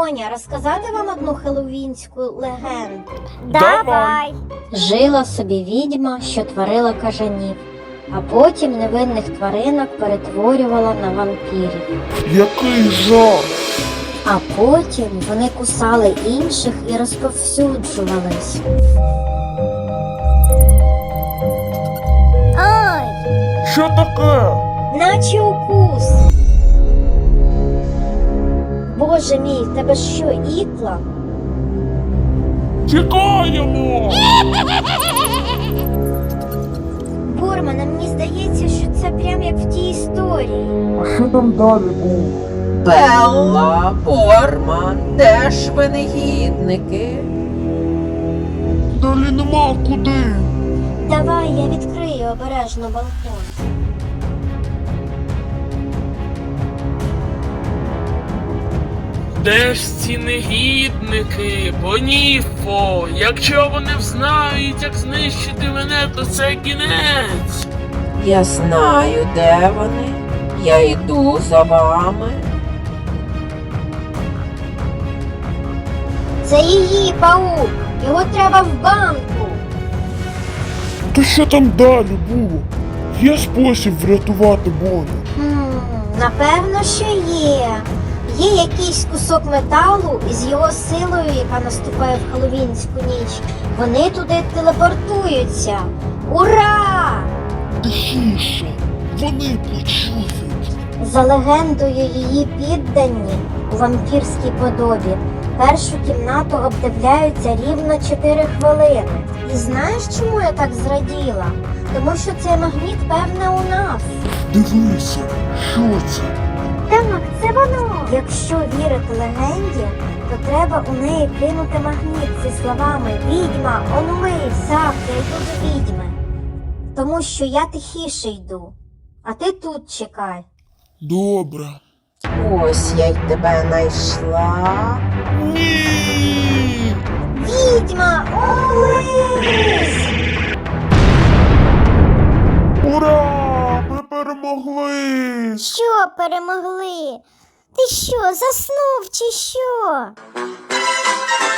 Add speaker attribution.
Speaker 1: Боня, розказати вам одну хеллоуінську легенду?
Speaker 2: Давай.
Speaker 1: Жила собі відьма, що творила кажанів, а потім невинних тваринок перетворювала на вампірів.
Speaker 2: Який жах!
Speaker 1: А потім вони кусали інших і розповсюджувались.
Speaker 3: Ай!
Speaker 2: Що таке?
Speaker 1: Наче укус. Боже мій, в тебе що, ікла?
Speaker 2: Тікаємо!
Speaker 1: Бормане, мені здається, що це прям як в тій історії.
Speaker 2: А що там далі було?
Speaker 4: Белла, Борман, де ж ви негідники?
Speaker 2: Далі нема куди.
Speaker 1: Давай, я відкрию обережно балкон.
Speaker 5: Де ж ці негідники, Боніфо? Якщо вони взнають, як знищити мене, то це кінець.
Speaker 4: Я знаю, де вони. Я йду за вами.
Speaker 1: Це її паук. Його треба в банку.
Speaker 2: То що там далі було? Є спосіб врятувати Боню?
Speaker 1: Напевно, що є. Є якийсь кусок металу із його силою, яка наступає в хеллоуінську ніч. Вони туди телепортуються. Ура!
Speaker 2: Тихіше, вони почують.
Speaker 1: За легендою, її піддані у вампірській подобі першу кімнату обдивляються рівно 4 хвилини. І знаєш, чому я так зраділа? Тому що цей магніт, певне, у нас.
Speaker 2: Дивися, що це?
Speaker 1: Так, це воно. Якщо вірити легенді, то треба у неї кинути магніт зі словами «Відьма, онумись, завтра йду до відьми». Тому що я тихіше йду, а ти тут чекай.
Speaker 2: Добре.
Speaker 4: Ось я й тебе знайшла.
Speaker 2: Ні!
Speaker 1: Відьма, онумись!
Speaker 2: Ура! Ми перемогли!
Speaker 3: Що перемогли? Ти що, заснув чи що?